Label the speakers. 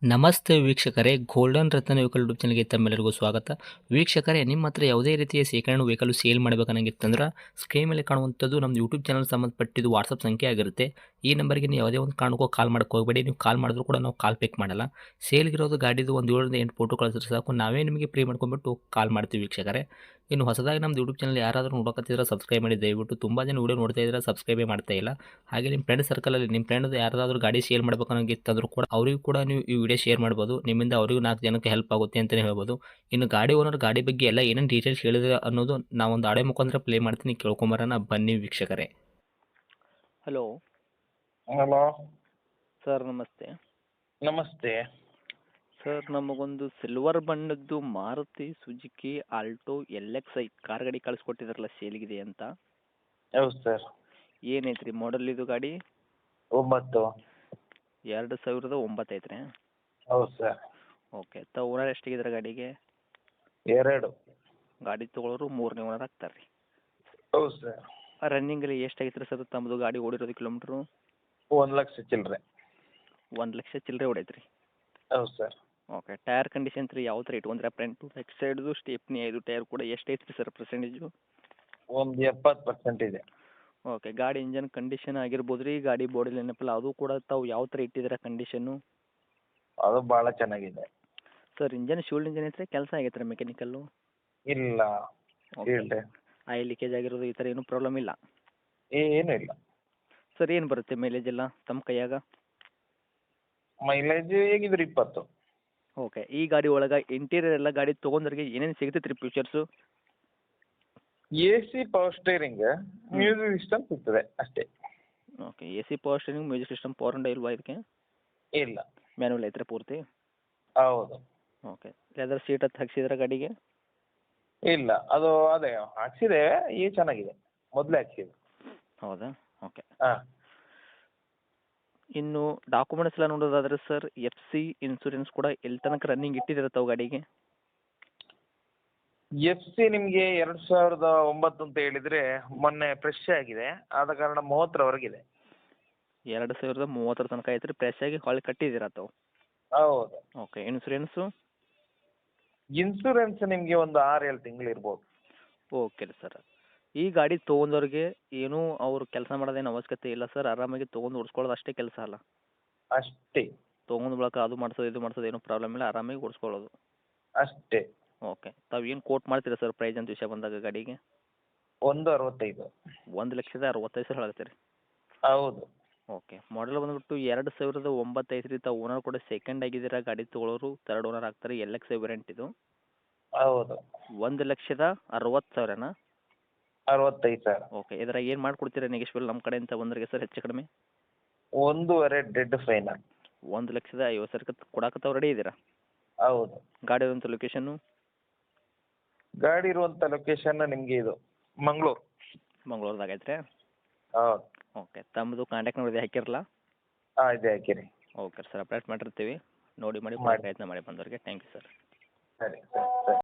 Speaker 1: ನಮಸ್ತೆ ವೀಕ್ಷಕರೇ, ಗೋಲ್ಡನ್ ರತ್ನ vehicle YouTube ಚಾನಲ್ಗೆ ತಮ್ಮೆಲ್ಲರಿಗೂ ಸ್ವಾಗತ. ವೀಕ್ಷಕರೇ, ನಿಮ್ಮ ಹತ್ರ ಯಾವುದೇ ರೀತಿಯ ಶೇಖರಣೆ ವೆಹಿಕಲ್ ಸೇಲ್ ಮಾಡಬೇಕನ್ನಂಗಿತ್ತಂದ್ರೆ ಸ್ಕ್ರೀನ್ ಮೇಲೆ ಕಾಣುವಂಥದ್ದು ನಮ್ಮ ಯೂಟ್ಯೂಬ್ ಚಾನಲ್ ಸಂಬಂಧಪಟ್ಟಿದ್ದು ವಾಟ್ಸಪ್ ಸಂಖ್ಯೆ ಆಗಿರುತ್ತೆ. ಈ ನಂಬರ್ಗೆ ನೀವು ಯಾವುದೇ ಒಂದು ಕಾರಣಕ್ಕೂ ಕಾಲ್ ಮಾಡೋಕ್ಕೆ ಹೋಗಬೇಡಿ. ನೀವು ಕಾಲ್ ಮಾಡಿದ್ರು ಕೂಡ ನಾವು ಕಾಲ್ ಪಿಕ್ ಮಾಡಲ್ಲ. ಸೇಲ್ಗಿರೋದು ಗಾಡಿದು ಒಂದು 7ರಿಂದ 8 ಫೋಟೋ ಕಳಿಸಿದ್ರೆ ಸಾಕು, ನಾವೇ ನಿಮಗೆ ಪ್ರೀ ಮಾಡ್ಕೊಂಡ್ಬಿಟ್ಟು ಕಾಲ್ ಮಾಡ್ತೀವಿ ವೀಕ್ಷಕರೇ. ಇನ್ನು ಹೊಸದಾಗಿ ನಮ್ಮದು ಯೂಟ್ಯೂಬ್ ಚಾನಲ್ ಯಾರಾದರೂ ನೋಡೋಕತ್ತಿದ್ರೆ ಸಬ್ಸ್ಕ್ರೈಬ್ ಮಾಡಿ ದಯವಿಟ್ಟು. ತುಂಬ ಜನ ವೀಡಿಯೋ ನೋಡ್ತಾ ಇದ್ದಾರೆ, ಸಬ್ಸ್ಕ್ರೈಬೇ ಮಾಡ್ತಾ ಇಲ್ಲ. ಹಾಗೆ ನಿಮ್ಮ ಫ್ರೆಂಡ್ ಸರ್ಕಲಲ್ಲಿ ನಿಮ್ಮ ಫ್ರೆಂಡ್ ಯಾರಾದರೂ ಗಾಡಿ ಸೇಲ್ ಮಾಡಬೇಕನ್ನೋಂಗಿತ್ತಂದ್ರೂ ಕೂಡ ಅವರಿಗೂ ಕೂಡ ನೀವು ಈ ವಿಡಿಯೋ ಶೇರ್ ಮಾಡ್ಬೋದು. ನಿಮ್ಮಿಂದ ಅವರಿಗೂ 4 ಜನಕ್ಕೆ ಹೆಲ್ಪ್ ಆಗುತ್ತೆ ಅಂತಲೇ ಹೇಳ್ಬೋದು. ಇನ್ನು ಗಾಡಿ ಓನರ್ ಗಾಡಿ ಬಗ್ಗೆ ಎಲ್ಲ ಏನೇನು ಡೀಟೇಲ್ಸ್ ಹೇಳಿದ್ರೆ ಅನ್ನೋದು ನಾವೊಂದು ಆಡಿಯೋ ಮುಖಾಂತರ ಪ್ಲೇ ಮಾಡ್ತೀನಿ, ಕೇಳ್ಕೊಂಬರೋಣ ಬನ್ನಿ ವೀಕ್ಷಕರೇ.
Speaker 2: ಹಲೋ
Speaker 3: ಹಲೋ
Speaker 2: ಸರ್, ನಮಸ್ತೆ.
Speaker 3: ನಮಸ್ತೆ.
Speaker 2: ಸರ್, ನಮಗೊಂದು ಸಿಲ್ವರ್ ಬಣ್ಣದ್ದು Maruti Suzuki Alto LX car ಗಾಡಿ ಕಳಿಸ್ಕೊಟ್ಟಿದ್ರಲ್ಲ, ಸೇಲ್ಗಿದೆ ಅಂತ.
Speaker 3: ಹೌದು ಸರ್.
Speaker 2: ಏನೈತ್ರಿ ಮಾಡಲ್ ಇದು ಗಾಡಿ?
Speaker 3: 9.
Speaker 2: 2009 ಐತ್ರಿ.
Speaker 3: ಹೌದು ಸರ್.
Speaker 2: ಓಕೆ. ಓನರ್ ಎಷ್ಟಿಗಿದ್ರೆ ಗಾಡಿಗೆ?
Speaker 3: 2.
Speaker 2: ಗಾಡಿ ತೊಗೊಳೋರು 3ನೇ ಓನರ್ ಆಗ್ತಾರೆ ರೀ.
Speaker 3: ಹೌದು ಸರ್.
Speaker 2: ರನ್ನಿಂಗಲ್ಲಿ ಎಷ್ಟಾಗೈತ್ರಿ ಸರ್ ತಮ್ಮದು ಗಾಡಿ ಓಡಿರೋದು ಕಿಲೋಮೀಟ್ರು?
Speaker 3: 1,00,000 ಚಿಲ್ಲರೆ.
Speaker 2: 1,00,000 ಚಿಲ್ಲರೆ ಹೊಡೈತ್ರಿ.
Speaker 3: ಹೌದು ಸರ್.
Speaker 2: ಓಕೆ. ಟೈರ್ ಕಂಡೀಷನ್ ರೀ ಯಾವ ಥರ ಇಟ್ಕೊಂಡ್ರೆ? ಫ್ರಂಟು ಬ್ಯಾಕ್ ಸೈಡ್ದು ಸ್ಟೆಪ್ನಿ 5 ಟೈರ್ ಕೂಡ ಎಷ್ಟೈತ್ರಿ ಸರ್ ಪರ್ಸೆಂಟೇಜು?
Speaker 3: ಒಂದು 70% ಇದೆ.
Speaker 2: ಓಕೆ. ಗಾಡಿ ಇಂಜನ್ ಕಂಡೀಷನ್ ಆಗಿರ್ಬೋದು ರೀ, ಗಾಡಿ ಬಾಡಿ ಏನಪ್ಪಲ್ಲ ಅದು ಕೂಡ ತಾವು ಯಾವ ಥರ ಇಟ್ಟಿದ್ದೀರಾ ಕಂಡೀಷನ್ನು?
Speaker 3: ಅದು ಭಾಳ ಚೆನ್ನಾಗಿದೆ.
Speaker 2: ಸರ್, ಇಂಜನ್ ಶೂಲ್ಡ್ ಇಂಜನ್ ಐತ್ರಿ, ಕೆಲಸ ಆಗೈತೆ ರೀ ಮೆಕ್ಯಾನಿಕಲ್ಲು?
Speaker 3: ಇಲ್ಲ.
Speaker 2: ಓಕೆ.
Speaker 3: ಇಲ್ಲ.
Speaker 2: ಆಯಿಲ್ ಲೀಕೇಜ್ ಆಗಿರೋದು ಈ ಥರ ಏನೂ ಪ್ರಾಬ್ಲಮ್ ಇಲ್ಲ?
Speaker 3: ಏನೂ ಇಲ್ಲ.
Speaker 2: ಸರ್, ಏನು ಬರುತ್ತೆ ಮೈಲೇಜ್ ಎಲ್ಲ ತಮ್ಮ ಕೈಯಾಗ?
Speaker 3: ಮೈಲೇಜ್ ಹೇಗಿದ್ರು 20.
Speaker 2: ಓಕೆ. ಈ ಗಾಡಿ ಒಳಗೆ ಇಂಟೀರಿಯರ್ ಎಲ್ಲ ಗಾಡಿ ತೊಗೊಂಡ್ರಿಗೆ ಏನೇನು ಸಿಗ್ತೈತೆ ರೀ features?
Speaker 3: AC power steering, music system ಸಿಗ್ತದೆ ಅಷ್ಟೇ.
Speaker 2: Okay. AC power steering, music system, power window ಇಲ್ವಾ ಇದಕ್ಕೆ?
Speaker 3: ಇಲ್ಲ.
Speaker 2: ಮ್ಯಾನುವಲ್ ಐತ್ರಿ ಪೂರ್ತಿ?
Speaker 3: ಹೌದು.
Speaker 2: ಓಕೆ. ಲೆದರ್ ಸೀಟ್ ಹತ್ತು ಹಾಕ್ಸಿದ್ರೆ ಗಾಡಿಗೆ?
Speaker 3: ಇಲ್ಲ, ಅದು ಅದೇ ಹಾಕ್ಸಿದೆ, ಈಗ ಚೆನ್ನಾಗಿದೆ. ಮೊದಲೇ ಹಾಕ್ಸಿದೆ.
Speaker 2: ಹೌದಾ? ಓಕೆ.
Speaker 3: ಹಾಂ.
Speaker 2: ಇನ್ನು ಡಾಕ್ಯುಮೆಂಟ್ಸ್ ಎಲ್ಲ ನೋಡೋದಾದ್ರೆ ಸರ್, FC ಇನ್ಸೂರೆನ್ಸ್ ಕೂಡ ಎಲ್ಲಿ ತನಕ ರನ್ನಿಂಗ್ ಇಟ್ಟಿದ್ದೀರ ತಾವು ಗಾಡಿಗೆ?
Speaker 3: FC ನಿಮಗೆ 2009 ಅಂತ ಹೇಳಿದರೆ ಮೊನ್ನೆ ಫ್ರೆಶ್ ಆಗಿದೆ, ಆದ ಕಾರಣ 30ರವರೆಗಿದೆ.
Speaker 2: 2030 ತನಕ ಐತ್ರಿ, ಫ್ರೆಶ್ ಆಗಿ ಹೊಳ್ಳಿ ಕಟ್ಟಿದ್ದೀರ ತಾವು?
Speaker 3: ಹೌದು.
Speaker 2: ಓಕೆ. ಇನ್ಸೂರೆನ್ಸು?
Speaker 3: ಇನ್ಸೂರೆನ್ಸ್ ನಿಮಗೆ ಒಂದು 6-7 ತಿಂಗಳು ಇರ್ಬೋದು.
Speaker 2: ಓಕೆ ರೀ ಸರ್. ಈ ಗಾಡಿ ತೊಗೊಂಡವ್ರಿಗೆ ಏನೂ ಅವ್ರು ಕೆಲಸ ಮಾಡೋದೇನು ಅವಶ್ಯಕತೆ ಇಲ್ಲ ಸರ್, ಆರಾಮಾಗಿ ತೊಗೊಂಡು ಓಡಿಸ್ಕೊಳ್ಳೋದು ಅಷ್ಟೇ ಕೆಲಸ ಅಲ್ಲ?
Speaker 3: ಅಷ್ಟೇ.
Speaker 2: ತೊಗೊಂಡು ಬಳಕ ಅದು ಮಾಡಿಸೋದು ಇದು ಮಾಡಿಸೋದು ಏನೂ ಪ್ರಾಬ್ಲಮ್ ಇಲ್ಲ, ಆರಾಮಾಗಿ ಓಡಿಸ್ಕೊಳ್ಳೋದು?
Speaker 3: ಅಷ್ಟೇ.
Speaker 2: ಓಕೆ. ತಾವು ಏನು ಕೋಟ್ ಮಾಡ್ತೀರಾ ಸರ್ ಪ್ರೈಸ್ ಅಂತ ವಿಷಯ ಬಂದಾಗ ಗಾಡಿಗೆ?
Speaker 3: 1,65.
Speaker 2: 1,65,000 ಹೇಳ್ತೀರಿ?
Speaker 3: ಹೌದು.
Speaker 2: ಓಕೆ. ಮಾಡಲ್ ಬಂದುಬಿಟ್ಟು 2009 ಐತ್ರಿ. ತಾವು ಓನರ್ ಕೂಡ ಸೆಕೆಂಡ್ ಆಗಿದ್ದೀರಾ, ಗಾಡಿ ತೊಗೊಳೋರು ತರ್ಡ್ ಓನರ್ ಆಗ್ತಾರೆ. LX ವೇರಿಯಂಟ್ ಇದು.
Speaker 3: ಹೌದು.
Speaker 2: 1,60,60,000ನಾ?
Speaker 3: 65,000.
Speaker 2: ಓಕೆ. ಇದ್ರಾಗ ಏನು ಮಾಡ್ಕೊಡ್ತೀರಾ ನೆಗೆಶ್ವಲ್ ನಮ್ಮ ಕಡೆಯಿಂದ ಬಂದ್ರಿಗೆ ಸರ್ ಹೆಚ್ಚು ಕಡಿಮೆ?
Speaker 3: 1.5 ಡೆಡ್ ಫೈನಲ್.
Speaker 2: 1,50,000 ಕೊಡಕ್ಕೆ ತಾವು ರೆಡಿ ಇದ್ದೀರಾ?
Speaker 3: ಹೌದು.
Speaker 2: ಗಾಡಿ ಇರುವಂಥ ಲೊಕೇಶನ್ನು?
Speaker 3: ಗಾಡಿ ಇರುವಂಥ ಲೊಕೇಶನ್ ನಿಮಗೆ ಇದು ಮಂಗಳೂರು.
Speaker 2: ಮಂಗಳೂರದಾಗ ಐತ್ರಿ?
Speaker 3: ಹೌದು.
Speaker 2: ಓಕೆ. ತಮ್ಮದು ಕಾಂಟ್ಯಾಕ್ಟ್ ನಂಬರ್ ಇದೆ ಹಾಕಿರಲ್ಲ?
Speaker 3: ಹಾಂ, ಇದೆ ಹಾಕಿರಿ.
Speaker 2: ಓಕೆ ಸರ್, ಅಪ್ಡೇಟ್ ಮಾಡಿರ್ತೀವಿ, ನೋಡಿ ಮಾಡಿ
Speaker 3: ಮಾಡಿ.
Speaker 2: ಪ್ರಯತ್ನ ಮಾಡಿ ಬಂದವ್ರಿಗೆ. Thank you sir.
Speaker 3: ಸರಿ ಸರಿ ಸರಿ.